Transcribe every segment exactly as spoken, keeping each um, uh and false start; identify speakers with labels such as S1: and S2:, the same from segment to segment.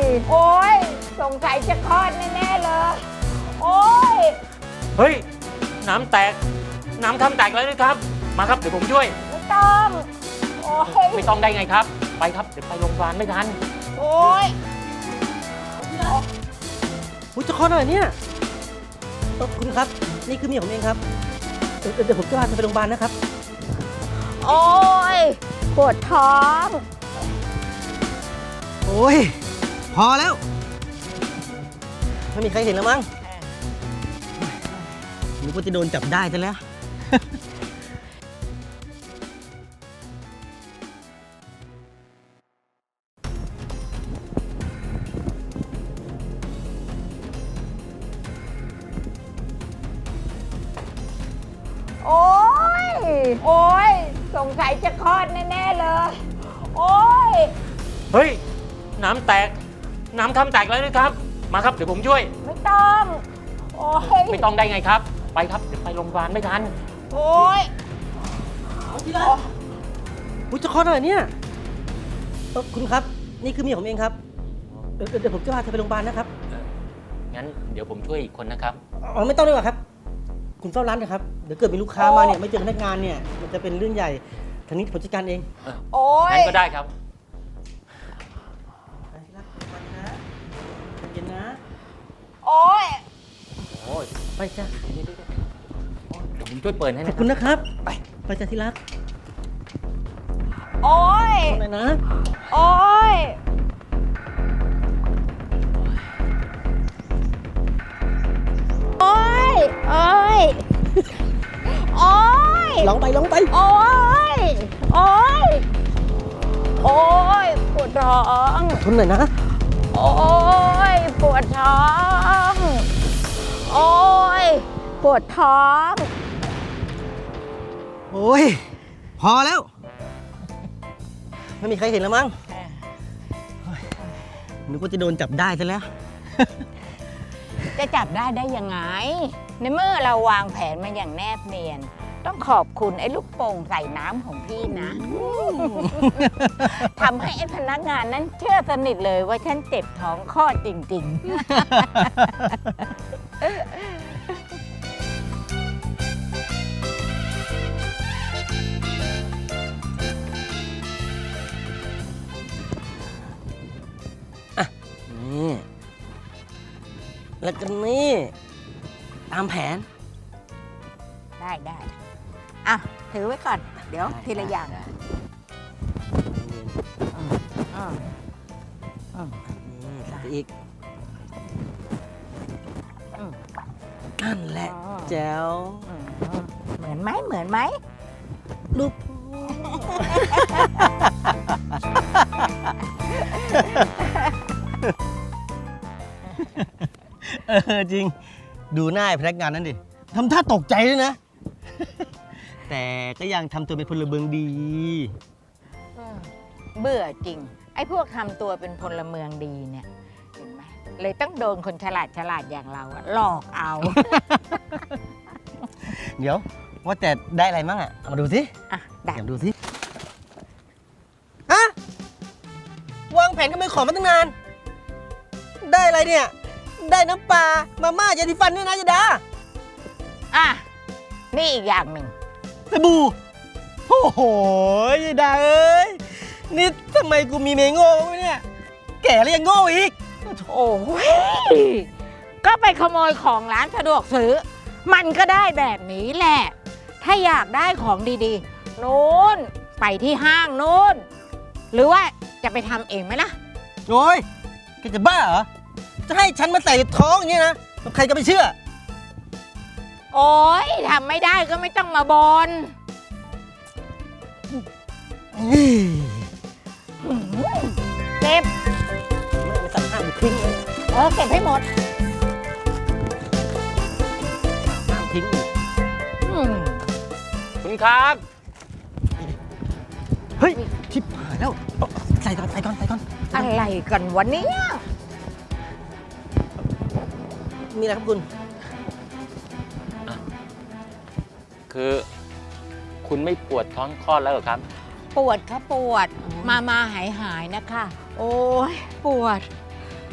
S1: โอ้ยสงสัยจะคลอดแน่ๆเลย โอ้ย
S2: เฮ้ย น้ำแตก น้ำทำแตกแล้วนะครับ มาครับ เดี๋ยวผมช่วย
S1: ไม่ต้อง โอ้ย
S2: ไม่ต้องได้ไงครับ ไปครับ เดี๋ยวไปโรงพยาบาลไม่ทัน
S1: โอ้ย
S3: อุ้ยจะคลอดหน่อยเนี่ยเออคุณครับ นี่คือเมียผมเองครับเดี๋ยวเดี๋ยวผมจะพาไปโรงพยาบาลนะครับ
S1: โอ้ย ปวดท้อง
S3: โอ้ย พอแล้ว ไม่มีใครเห็นแล้วมั้งนึกว่าจะโดนจับได้ซะแล้ว
S1: โอ้ย โอ้ย สงสัยจะคลอดแน่ๆเลย โอ้ย
S2: เฮ้ย น้ำแตก น้ำทำแตกแล้วนะครับ มาครับ เดี๋ยวผมช่วย
S1: ไม่ต้อง โอ้ย
S2: ไม่ต้องได้ไงครับ ไปครับ เดี๋ยวไปโรงพยาบาลไม่ทัน
S1: โอ้ย
S3: อุ้ยจะคลอดหน่อยเนี่ยเออคุณครับ นี่คือเมียผมเองครับเดี๋ยวเดี๋ยวผมจะพาเธอไปโรงพยาบาลนะครับ
S2: งั้นเดี๋ยวผมช่วยอีกคนนะครับ
S3: อ๋อไม่ต้องดีกว่าครับ คุณเฝ้าร้านนะครับ เดี๋ยวเกิดมีลูกค้ามาเนี่ยไม่เจอพนักงานเนี่ยมันจะเป็นเรื่องใหญ่ทางนี้ผมจัดการเอง
S1: โอ้ย
S2: งั้นก็ได้ครับ
S3: ไปที่รักไปนะเย็นนะ
S1: โอ้ย
S2: โอ้ย
S3: ไปจ้ะ
S2: เดี๋ยวผมช่วยเปิดให้
S3: ขอ
S2: นะ
S3: บ
S2: ค
S3: คุ
S2: รับ
S3: ณนะครับ
S2: ไป
S3: ไปจ้ะที่รัก
S1: โอ้ย
S3: ตรงไหนนะ
S1: โอ้ย โอ้ย โอ้ย โอ้ย
S3: ลองไปลองไป
S1: โอ้ย โอ้ย โอ้ย ปวดท้อง
S3: ทนหน่อยนะ
S1: โอ้ย ปวดท้อง โอ้ย ปวดท้อง
S3: โอ้ย พอแล้ว ไม่มีใครเห็นแล้วมั้งเฮ้ยนึกว่าจะโดนจับได้ซะแล้ว
S1: จะจับได้ได้ยังไง ในเมื่อเราวางแผนมาอย่างแนบเนียน ต้องขอบคุณไอ้ลูกโป่งใส่น้ำของพี่นะ ทำให้ไอ้พนักงานนั้นเชื่อสนิทเลยว่าฉันเจ็บท้องคลอดจริง
S3: นี่ แล้วก็นี่ ตามแผน
S1: ๆ ได้ได้อ่ะ ถือไว้ก่อน เดี๋ยวทีละอย่างอืมอืมอืม
S3: นี่ใส่ไปอีก
S1: อืม
S3: นั่นแหละ
S1: อ๋อ
S3: แจ๋ว
S1: อืมเหมือนไหมเหมือนไหม
S3: ลูก เออจริง ดูหน้าไอ้พนักงานนั้นดิทำท่าตกใจด้วยนะ แต่ก็ยังทำตัวเป็นพลเมืองดี
S1: เบื่อจริง ไอ้พวกทำตัวเป็นพลเมืองดีเนี่ย เห็นไหมเลยต้องโดนคนฉลาดฉลาดอย่างเราอะหลอกเอา
S3: เดี๋ยว ว่าแต่ได้อะไรมั่งอ่ะ เอามาดูสิ
S1: อ่ะได้
S3: เดี๋ยวดูสิฮะวางแผนกันไปขอมาตั้งนาน ได้อะไรเนี่ย ได้น้ำปลา มาม่ายาสีฟันเนี่ยนะยาดา
S1: อ่ะ นี่อีกอย่างหนึ่ง
S3: สบู่โอ้โหยายดาเอ้ย นี่ทำไมกูมีเมยโง่วะเนี่ย แก่แล้วยังโง่อีก
S1: โอ้ยก็ไปขโมยของร้านสะดวกซื้อ มันก็ได้แบบนี้แหละ ถ้าอยากได้ของดีๆนู้นไปที่ห้างนู้น หรือว่าจะไปทำเองไหมล่ะ
S3: โอ้ยแกจะบ้าเหรอ จะให้ฉันมาใส่ท้องอย่างนี้นะใครจะไปเชื่อ
S1: โอ้ยทำไม่ได้ก็ไม่ต้องมาบน เก็บ
S3: ไม่สั่งห้ามกูทิ้งเลย
S1: เออ เก็บให้หมด
S3: ห้ามทิ้งอีก
S1: อืม
S2: คุณครับ
S3: เฮ้ยชิบหายแล้วเอาใส่ก่อนใส่ก่อนใส่ก่อน
S1: อะไรกันวะเนี่ย
S3: มีอะไรครับคุณ
S2: คือคุณไม่ปวดท้องคลอดแล้วเหรอครับ
S1: ปวดค่ะปวด มามาหายหายๆนะคะ โอ้ยปวด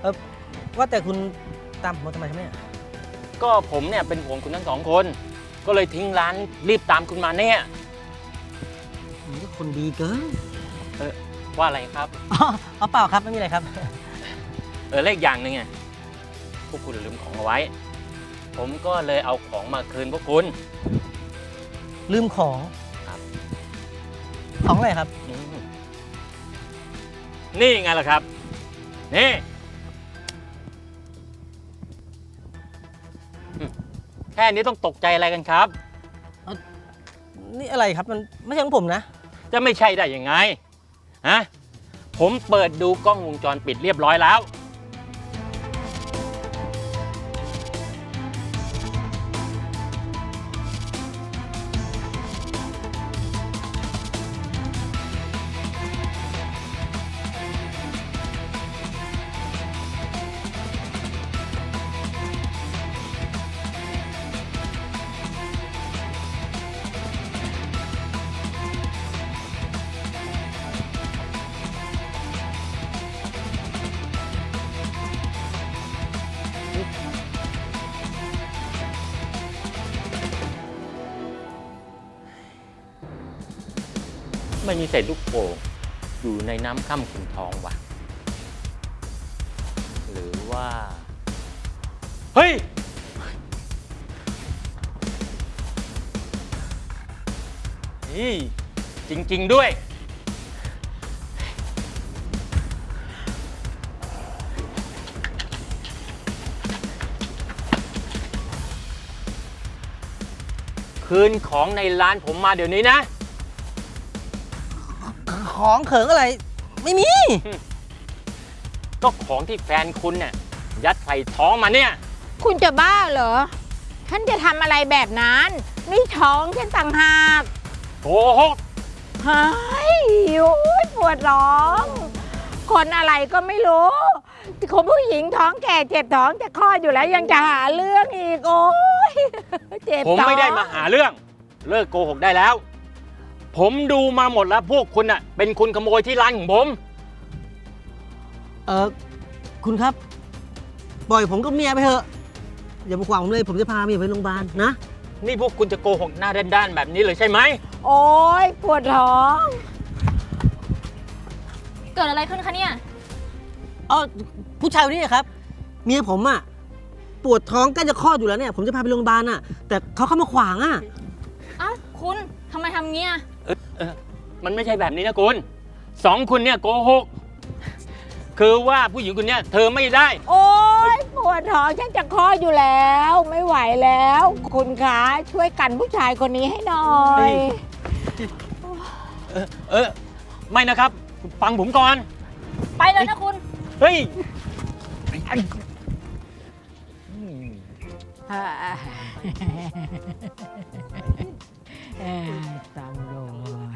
S3: เออว่าแต่คุณตามผมมาทำไมครับเนี่ย
S2: ก็ผมเนี่ยเป็นห่วงคุณทั้งสองคน ก็เลยทิ้งร้านรีบตามคุณมาเนี่ย
S3: ผมก็คนดีเกิน
S2: ว่าอะไรครับ
S3: อ๋อเอาเปล่าครับไม่มีอะไรครับ
S2: เออเลขอย่างหนึ่งไงพวกคุณลืมของเอาไว้ ผมก็เลยเอาของมาคืนพวกคุณ
S3: ลืมของ
S2: ครับ
S3: ของอะไรครับ
S2: อืมนี่ไงล่ะครับ นี่อืมแค่นี้ต้องตกใจอะไรกันครับ
S3: นี่อะไรครับมันไม่ใช่ของผมนะ
S2: จะไม่ใช่ได้ยังไง ฮะ ผมเปิดดูกล้องวงจรปิดเรียบร้อยแล้ว ไม่มีเศษลูกโป่งอยู่ในน้ำค่ำขุ่นทองว่ะ หรือว่า เฮ้ย นี่จริง ๆ ด้วย คืนของในร้านผมมาเดี๋ยวนี้นะ
S3: ของเขิงอะไร ไม่มี
S2: ก็ของที่แฟนคุณเนี่ยยัดใส่ท้องมาเนี่ย
S1: คุณจะบ้าเหรอ ฉันจะทำอะไรแบบนั้น นี่ท้องฉันต่างหาก
S2: โอ้โห
S1: เฮ้ยโอ้ยปวดร้อง คนอะไรก็ไม่รู้คนผู้หญิงท้องแก่เจ็บท้องจะคลอดอยู่แล้วยังจะหาเรื่องอีกโอ้ยเจ็บ
S2: ผม
S1: ท้อง
S2: ไม่ได้มาหาเรื่อง เลิกโกหกได้แล้ว ผมดูมาหมดแล้วพวกคุณน่ะเป็นคุณขโมยที่ร้านของผม
S3: เออคุณครับ ปล่อยผมกับเมียไปเถอะ อย่ามาขวางผมเลย ผมจะพาเมียไปโรงพยาบาลนะ
S2: นี่พวกคุณจะโกหกหน้าด้านๆแบบนี้เลยใช่ไหม
S1: โอ้ยปวดท้อง
S4: เกิดอะไรขึ้นคะเนี่ย
S3: อ๋อผู้ชายคนนี้ครับ เมียผมอ่ะปวดท้องใกล้จะคลอดอยู่แล้วเนี่ย ผมจะพาไปโรงพยาบาลอ่ะ แต่เขาเข้ามาขวางอ่ะ
S4: เอ้าคุณทำไมทำเงี้ย
S2: เออเออมันไม่ใช่แบบนี้นะคุณสองคุณเนี่ยโกหก คือว่าผู้หญิงคนเนี้ยเธอไม่ได้
S1: โอ้ยปวดท้องฉันจะคลอดอยู่แล้ว ไม่ไหวแล้ว คุณคะช่วยกันผู้ชายคนนี้ให้หน่อย
S2: เออเออไม่นะครับ ฟังผมก่อน
S4: ไปเลยนะคุณ
S2: เฮ้ย
S1: อ่าเอ่อตำรวจ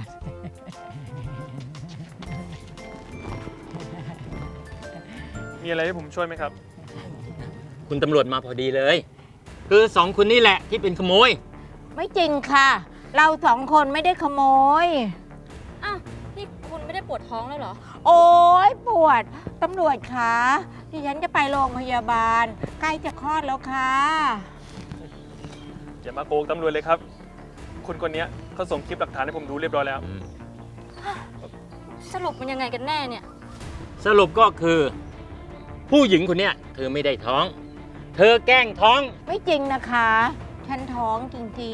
S5: มีอะไรให้ผมช่วยไหมครับ
S2: คุณตำรวจมาพอดีเลย คือสองคุณนี่แหละที่เป็นขโมย
S1: ไม่จริงค่ะ เราสองคนไม่ได้ขโมย
S4: อ้าวนี่คุณไม่ได้ปวดท้องเลยเหรอ
S1: โอ้ยปวด ตำรวจคะดิฉันจะไปโรงพยาบาล ใกล้จะคลอดแล้วค่ะ
S5: อย่ามาโกงตำรวจเลยครับ คุณคนนี้เขาส่งคลิปหลักฐานให้ผมดูเรียบร้อยแล้ว
S4: สรุปมันยังไงกันแน่เนี่ย
S2: สรุปก็คือ ผู้หญิงคนเนี้ยเธอไม่ได้ท้อง เธอแกล้งท้อง
S1: ไม่จริงนะคะ ฉันท้องจริง
S5: จ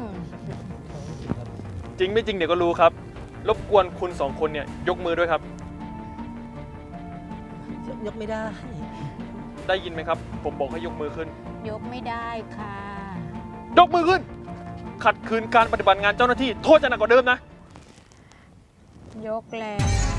S5: ริงไม่จริงเดี๋ยวก็รู้ครับ รบกวนคุณสองคนเนี่ยยกมือด้วยครับ
S3: ยกไม่ได้
S5: ได้ยินไหมครับ ผมบอกให้ยกมือขึ้น
S1: ๆ ยกไม่ได้ค่ะ
S5: ยกมือขึ้น ขัดขืนการปฏิบัติงานเจ้าหน้าที่โทษจะหนักกว่าเดิมนะ
S1: ยกแล้ว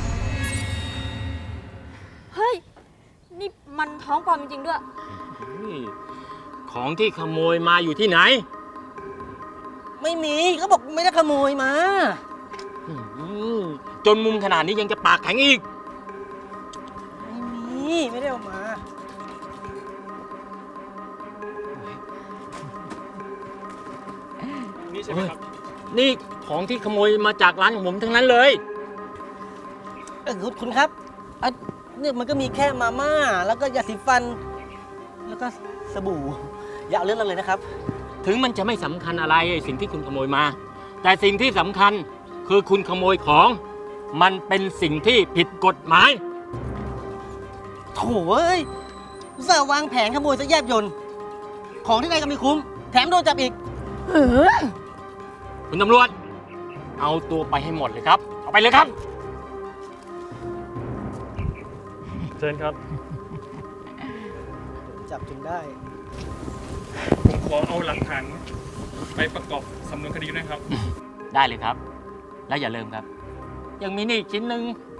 S4: เฮ้ย นี่มันท้องปลอมจริงๆด้วย
S2: ของที่ขโมยมาอยู่ที่ไหน
S3: ไม่มีเขาบอกไม่ได้ขโมยมา
S2: อืมจนมุมขนาดนี้ยังจะปากแข็งอีก
S3: ไม่มีไม่ได้เอามา
S5: นี่ใช่ไหมครับ
S2: นี่ของที่ขโมยมาจากร้านของผมทั้งนั้นเลย
S3: เออคุณคุณครับเอ่อเนี่ยมันก็มีแค่มาม่า แล้วก็ยาสีฟัน แล้วก็สบู่ อย่าเอาเรื่องนั้นเลยนะครับ
S2: ถึงมันจะไม่สำคัญอะไรไอ้สิ่งที่คุณขโมยมา แต่สิ่งที่สำคัญคือคุณขโมยของ มันเป็นสิ่งที่ผิดกฎหมาย
S3: โถ่เอ้ยอุตส่าห์วางแผนขโมยซะแยบยลของที่ไหนก็ไม่คุ้ม แถมโดนจับอีก
S1: เออ
S2: คุณตำรวจ เอาตัวไปให้หมดเลยครับ เอาไปเลยครับ
S5: เชิญครับ
S3: จับจนได้
S5: ผมขอเอาหลักฐานไปประกอบสำนวนคดีด้วยครับ
S2: ได้เลยครับ แล้วอย่าลืมครับ ยังมีนี่อีกชิ้นหนึ่ง